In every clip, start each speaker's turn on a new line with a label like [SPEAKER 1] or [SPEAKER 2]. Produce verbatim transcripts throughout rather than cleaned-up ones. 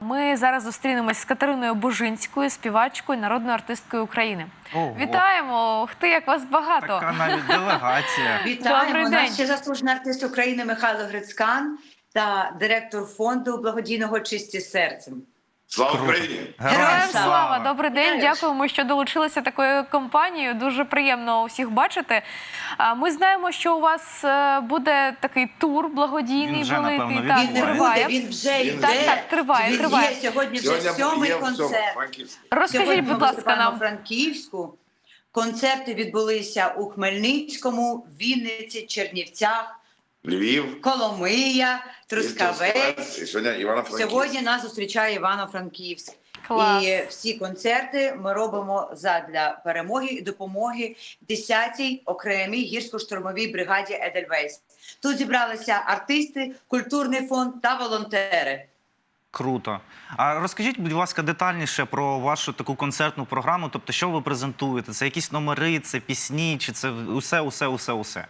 [SPEAKER 1] Ми зараз зустрінемось з Катериною Бужинською, співачкою, народною артисткою України.
[SPEAKER 2] Ого.
[SPEAKER 1] Вітаємо! Ух ти, як вас багато!
[SPEAKER 2] Така навіть делегація.
[SPEAKER 3] Вітаємо!
[SPEAKER 1] Добрий
[SPEAKER 3] У
[SPEAKER 1] день.
[SPEAKER 3] нас ще заслужений артист України Михайло Грицькан та директор фонду благодійного «Чисті серцем».
[SPEAKER 4] Слава Україні!
[SPEAKER 1] Героям слава!
[SPEAKER 3] слава!
[SPEAKER 1] Добрий день!
[SPEAKER 3] Вітаю.
[SPEAKER 1] Дякуємо, що долучилися такою компанією. Дуже приємно усіх бачити. А, Ми знаємо, що у вас е, буде такий тур благодійний
[SPEAKER 2] Він вже,
[SPEAKER 1] великий.
[SPEAKER 2] напевно,
[SPEAKER 1] Так,
[SPEAKER 3] Він не
[SPEAKER 1] триває.
[SPEAKER 3] буде, він вже
[SPEAKER 4] Він
[SPEAKER 3] йде.
[SPEAKER 1] Так, так, триває,
[SPEAKER 3] Він
[SPEAKER 1] триває.
[SPEAKER 3] є сьогодні вже
[SPEAKER 4] Сьогодні
[SPEAKER 3] сьомий
[SPEAKER 4] є в цьому
[SPEAKER 3] концерт.
[SPEAKER 4] Франківську.
[SPEAKER 1] Розкажіть,
[SPEAKER 3] Сьогодні
[SPEAKER 1] будь
[SPEAKER 3] ми
[SPEAKER 1] ласка,
[SPEAKER 3] виступаємо
[SPEAKER 1] нам.
[SPEAKER 3] у Франківську. Концерти відбулися у Хмельницькому, Вінниці, Чернівцях,
[SPEAKER 4] Львів,
[SPEAKER 3] Коломия, Трускавець.
[SPEAKER 4] і сьогодні Івано-Франківськ.
[SPEAKER 3] Сьогодні нас зустрічає Івано-Франківськ.
[SPEAKER 1] Клас.
[SPEAKER 3] І всі концерти ми робимо задля перемоги і допомоги десятій окремій гірсько-штурмовій бригаді «Едельвейс». Тут зібралися артисти, культурний фонд та волонтери.
[SPEAKER 2] Круто. А розкажіть, будь ласка, детальніше про вашу таку концертну програму. Тобто, що ви презентуєте? Це якісь номери, це пісні, чи це усе, усе, усе, усе?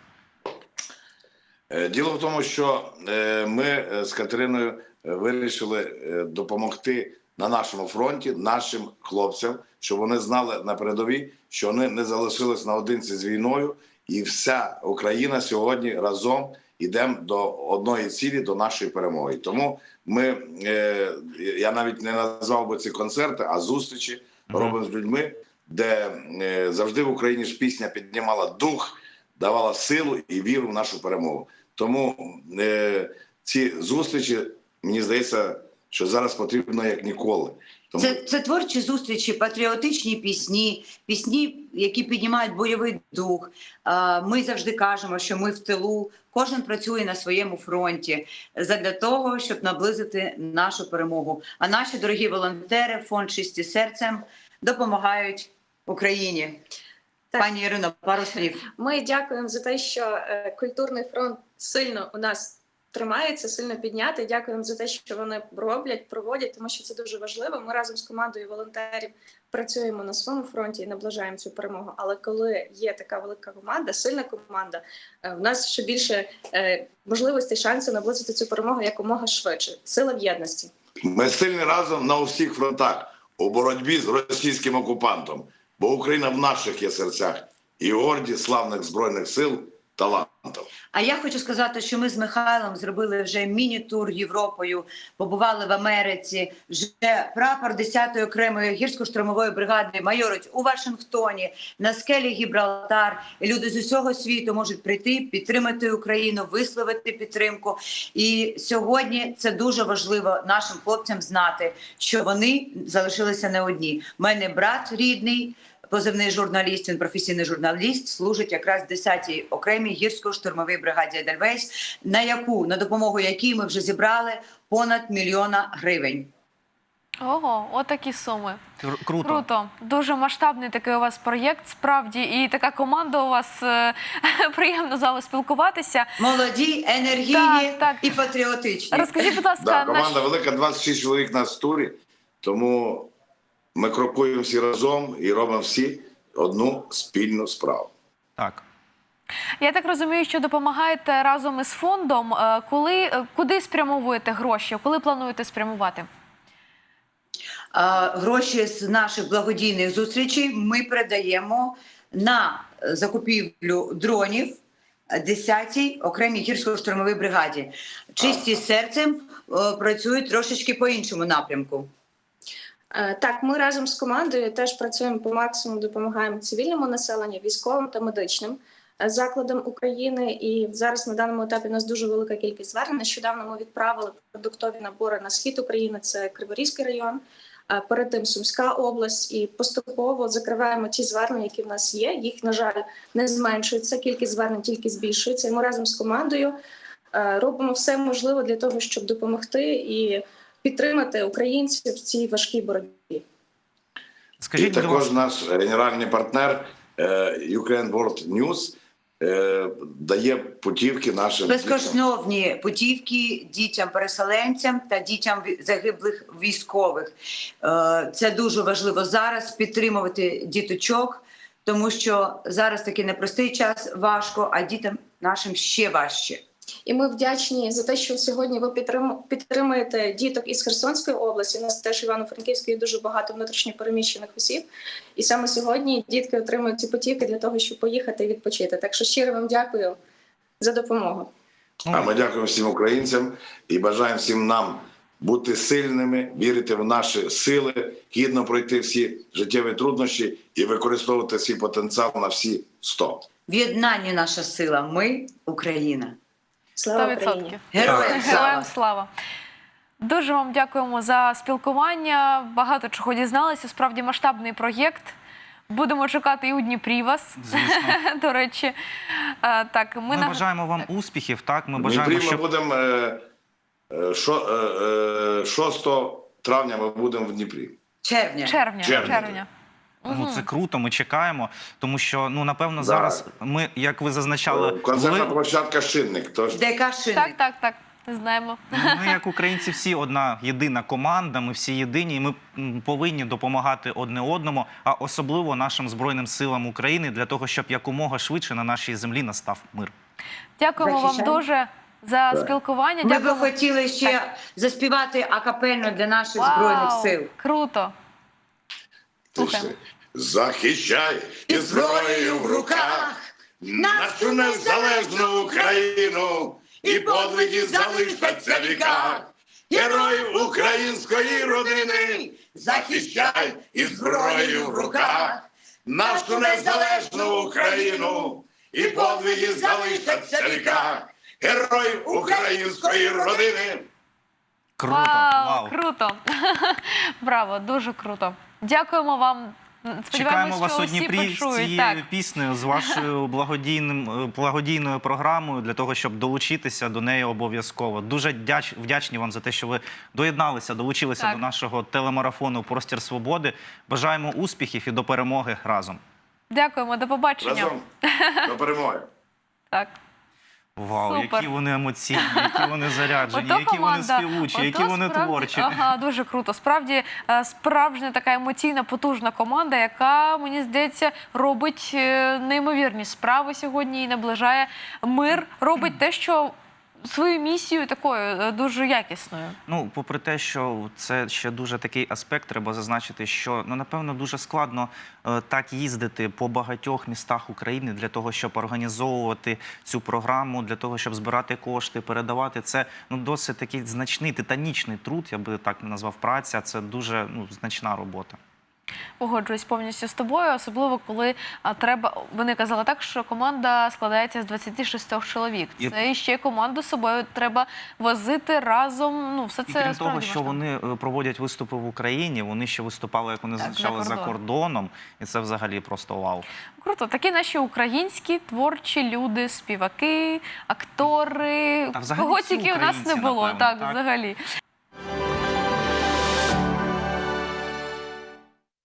[SPEAKER 4] Е, Діло в тому, що е, ми е, з Катериною е, вирішили е, допомогти на нашому фронті нашим хлопцям, щоб вони знали на передовій, що вони не залишились наодинці з війною, і вся Україна сьогодні разом йдемо до одної цілі, до нашої перемоги. Тому ми, е, я навіть не назвав би ці концерти, а зустрічі
[SPEAKER 2] Мгм.
[SPEAKER 4] робимо з людьми, де е, завжди в Україні ж пісня піднімала дух, давала силу і віру в нашу перемогу. Тому е, ці зустрічі, мені здається, що зараз потрібно як ніколи. Тому...
[SPEAKER 3] Це, це творчі зустрічі, патріотичні пісні, пісні, які піднімають бойовий дух. А, Ми завжди кажемо, що ми в тилу, кожен працює на своєму фронті задля того, щоб наблизити нашу перемогу. А наші дорогі волонтери, фонд «Чисті серцем» допомагають Україні.
[SPEAKER 5] Так.
[SPEAKER 3] Пані Ірино, пару слів.
[SPEAKER 5] Ми дякуємо за те, що е, культурний фронт сильно у нас тримається, сильно піднятий. Дякуємо за те, що вони роблять, проводять, тому що це дуже важливо. Ми разом з командою волонтерів працюємо на своєму фронті і наближаємо цю перемогу. Але коли є така велика команда, сильна команда, е, в нас ще більше е, можливостей, шансів наблизити цю перемогу якомога швидше. Сила в єдності.
[SPEAKER 4] Ми сильні разом на усіх фронтах у боротьбі з російським окупантом, бо Україна в наших є серцях і горді славних Збройних сил талантів.
[SPEAKER 3] А я хочу сказати, що ми з Михайлом зробили вже міні-тур Європою, побували в Америці, вже прапор десятої окремої гірсько-штурмової бригади майорить у Вашингтоні, на скелі Гібралтар. І люди з усього світу можуть прийти, підтримати Україну, висловити підтримку. І сьогодні це дуже важливо нашим хлопцям знати, що вони залишилися не одні. У мене брат рідний, позивний журналіст, він професійний журналіст, служить якраз в десятій окремій гірсько-штурмовій бригаді «Едельвейс», на яку, на допомогу якій ми вже зібрали понад мільйона гривень.
[SPEAKER 1] Ого, отакі суми.
[SPEAKER 2] Кру- Круто.
[SPEAKER 1] Круто. Дуже масштабний такий у вас проєкт, справді. І така команда у вас, е, приємно з вами спілкуватися.
[SPEAKER 3] Молоді, енергійні
[SPEAKER 1] Так, так.
[SPEAKER 3] і патріотичні.
[SPEAKER 1] Розкажіть, будь ласка,
[SPEAKER 4] Да,
[SPEAKER 1] наш...
[SPEAKER 4] команда велика, двадцять шість чоловік на турі, тому ми крокуємо всі разом і робимо всі одну спільну справу.
[SPEAKER 2] Так.
[SPEAKER 1] я так розумію, що допомагаєте разом із фондом. Е, Коли, е, куди спрямовуєте гроші? Коли плануєте спрямувати?
[SPEAKER 3] А, Гроші з наших благодійних зустрічей ми передаємо на закупівлю дронів десятій окремій гірсько-штурмовій бригаді. «Чисті серцем» е, працюють трошечки по іншому напрямку.
[SPEAKER 5] Е, Так, ми разом з командою теж працюємо по максимуму, допомагаємо цивільному населенню, військовим та медичним е, закладам України. І зараз на даному етапі у нас дуже велика кількість звернень. Нещодавно ми відправили продуктові набори на схід України, це Криворізький район, е, перед тим Сумська область. І поступово закриваємо ті звернення, які в нас є. Їх, на жаль, не зменшується, кількість звернень тільки збільшується. І ми разом з командою е, робимо все можливе для того, щоб допомогти і підтримати українців в цій важкій боротьбі.
[SPEAKER 2] Скажіть,
[SPEAKER 4] і
[SPEAKER 2] будь
[SPEAKER 4] також
[SPEAKER 2] ласка,
[SPEAKER 4] наш генеральний партнер е, Ukraine World News е, дає путівки нашим дітям.
[SPEAKER 3] Безкоштовні путівки дітям-переселенцям та дітям ві- загиблих військових. Е, Це дуже важливо зараз підтримувати діточок, тому що зараз такий непростий час, важко, а дітям нашим ще важче.
[SPEAKER 5] І ми вдячні за те, що сьогодні ви підтрим- підтримуєте діток із Херсонської області. У нас теж в Івано-Франківській дуже багато внутрішньопереміщених осіб. І саме сьогодні дітки отримують ці потіки для того, щоб поїхати і відпочити. Так що щиро вам дякую за допомогу.
[SPEAKER 4] А ми дякуємо всім українцям і бажаємо всім нам бути сильними, вірити в наші сили, гідно пройти всі життєві труднощі і використовувати свій потенціал на всі сто.
[SPEAKER 3] В єднанні наша сила. Ми – Україна.
[SPEAKER 5] Слава
[SPEAKER 1] сто
[SPEAKER 5] Україні!
[SPEAKER 1] відсотків.
[SPEAKER 3] Героям слава!
[SPEAKER 1] Героям слава! Дуже вам дякуємо за спілкування. Багато чого дізналися. Справді масштабний проєкт. Будемо чекати і у Дніпрі вас,
[SPEAKER 2] Звісно.
[SPEAKER 1] до речі. Е, Так, ми,
[SPEAKER 2] Ми
[SPEAKER 1] наг-
[SPEAKER 2] бажаємо вам успіхів, так? Ми
[SPEAKER 4] В
[SPEAKER 2] бажаємо,
[SPEAKER 4] Дніпрі ми
[SPEAKER 2] щоб...
[SPEAKER 4] будемо е, е, шо- е, е, шостого травня ми будемо в Дніпрі.
[SPEAKER 3] Червня.
[SPEAKER 1] червня.
[SPEAKER 4] Червня.
[SPEAKER 1] червня.
[SPEAKER 2] Ну, це круто, ми чекаємо, тому що, ну, напевно,
[SPEAKER 4] Да.
[SPEAKER 2] зараз ми, як ви зазначали,
[SPEAKER 4] Концертна
[SPEAKER 2] ви-
[SPEAKER 4] площадка «Шинник». Тож
[SPEAKER 3] ДК «Шинник».
[SPEAKER 1] Так, так, так. Знаємо.
[SPEAKER 2] ми, як українці, всі одна єдина команда, ми всі єдині, і ми м, повинні допомагати одне одному, а особливо нашим Збройним силам України, для того, щоб якомога швидше на нашій землі настав мир.
[SPEAKER 1] Дякуємо вам
[SPEAKER 3] Захищаємо.
[SPEAKER 1] дуже за спілкування.
[SPEAKER 3] Ми би
[SPEAKER 1] Дякуємо.
[SPEAKER 3] хотіли ще заспівати акапельно для наших
[SPEAKER 1] Вау,
[SPEAKER 3] Збройних сил.
[SPEAKER 1] Круто. Слухаємо.
[SPEAKER 4] захищай і зброєю в руках нашу незалежну Україну, і подвиги залишаться в віках. Героїв української родини, захищай і зброєю в руках нашу незалежну Україну, і подвиги залишаться в віках. Героїв української родини.
[SPEAKER 2] Круто,
[SPEAKER 1] Вау,
[SPEAKER 2] вау.
[SPEAKER 1] круто. Браво, дуже круто. Дякуємо вам.
[SPEAKER 2] Чекаємо
[SPEAKER 1] Сподіваємось,
[SPEAKER 2] вас
[SPEAKER 1] що
[SPEAKER 2] у
[SPEAKER 1] усі
[SPEAKER 2] Дніпрі з
[SPEAKER 1] почують.
[SPEAKER 2] цією
[SPEAKER 1] Так.
[SPEAKER 2] піснею, з вашою благодійним, е, благодійною програмою, для того, щоб долучитися до неї обов'язково. Дуже дяч, вдячні вам за те, що ви доєдналися, долучилися
[SPEAKER 1] Так.
[SPEAKER 2] до нашого телемарафону «Простір свободи». Бажаємо успіхів і до перемоги разом.
[SPEAKER 1] Дякуємо, до побачення.
[SPEAKER 4] Разом до перемоги.
[SPEAKER 1] Так.
[SPEAKER 2] Вау,
[SPEAKER 1] Супер.
[SPEAKER 2] які вони емоційні, які вони заряджені,
[SPEAKER 1] Ото
[SPEAKER 2] які вони
[SPEAKER 1] команда,
[SPEAKER 2] співучі,
[SPEAKER 1] ото
[SPEAKER 2] які вони
[SPEAKER 1] справді-
[SPEAKER 2] творчі.
[SPEAKER 1] Ага, дуже круто. Справді е, справжня така емоційна, потужна команда, яка, мені здається, робить е, неймовірні справи сьогодні і наближає мир, робить те, що свою місію такою е, дуже якісною.
[SPEAKER 2] Ну, попри те, що це ще дуже такий аспект, треба зазначити, що, ну, напевно, дуже складно е, так їздити по багатьох містах України для того, щоб організовувати цю програму, для того, щоб збирати кошти, передавати. Це, ну, досить такий значний, титанічний труд, я би так назвав, праця. Це дуже, ну, значна робота.
[SPEAKER 1] Погоджуюсь повністю з тобою, особливо коли а, треба. Вони казали так, що команда складається з двадцяти шести чоловік.
[SPEAKER 2] І-
[SPEAKER 1] Це і ще команду з собою треба возити разом. Ну, все
[SPEAKER 2] І
[SPEAKER 1] це
[SPEAKER 2] крім того,
[SPEAKER 1] справді
[SPEAKER 2] що
[SPEAKER 1] важливо.
[SPEAKER 2] вони е, проводять виступи в Україні, вони ще виступали, як вони
[SPEAKER 1] Так,
[SPEAKER 2] зазначали,
[SPEAKER 1] за
[SPEAKER 2] за
[SPEAKER 1] кордоном.
[SPEAKER 2] кордоном. І це взагалі просто вау.
[SPEAKER 1] Круто, такі наші українські творчі люди, співаки, актори,
[SPEAKER 2] Та взагалі
[SPEAKER 1] кого
[SPEAKER 2] всі
[SPEAKER 1] тільки у нас не
[SPEAKER 2] українці,
[SPEAKER 1] було.
[SPEAKER 2] напевно,
[SPEAKER 1] Так,
[SPEAKER 2] так?
[SPEAKER 1] взагалі.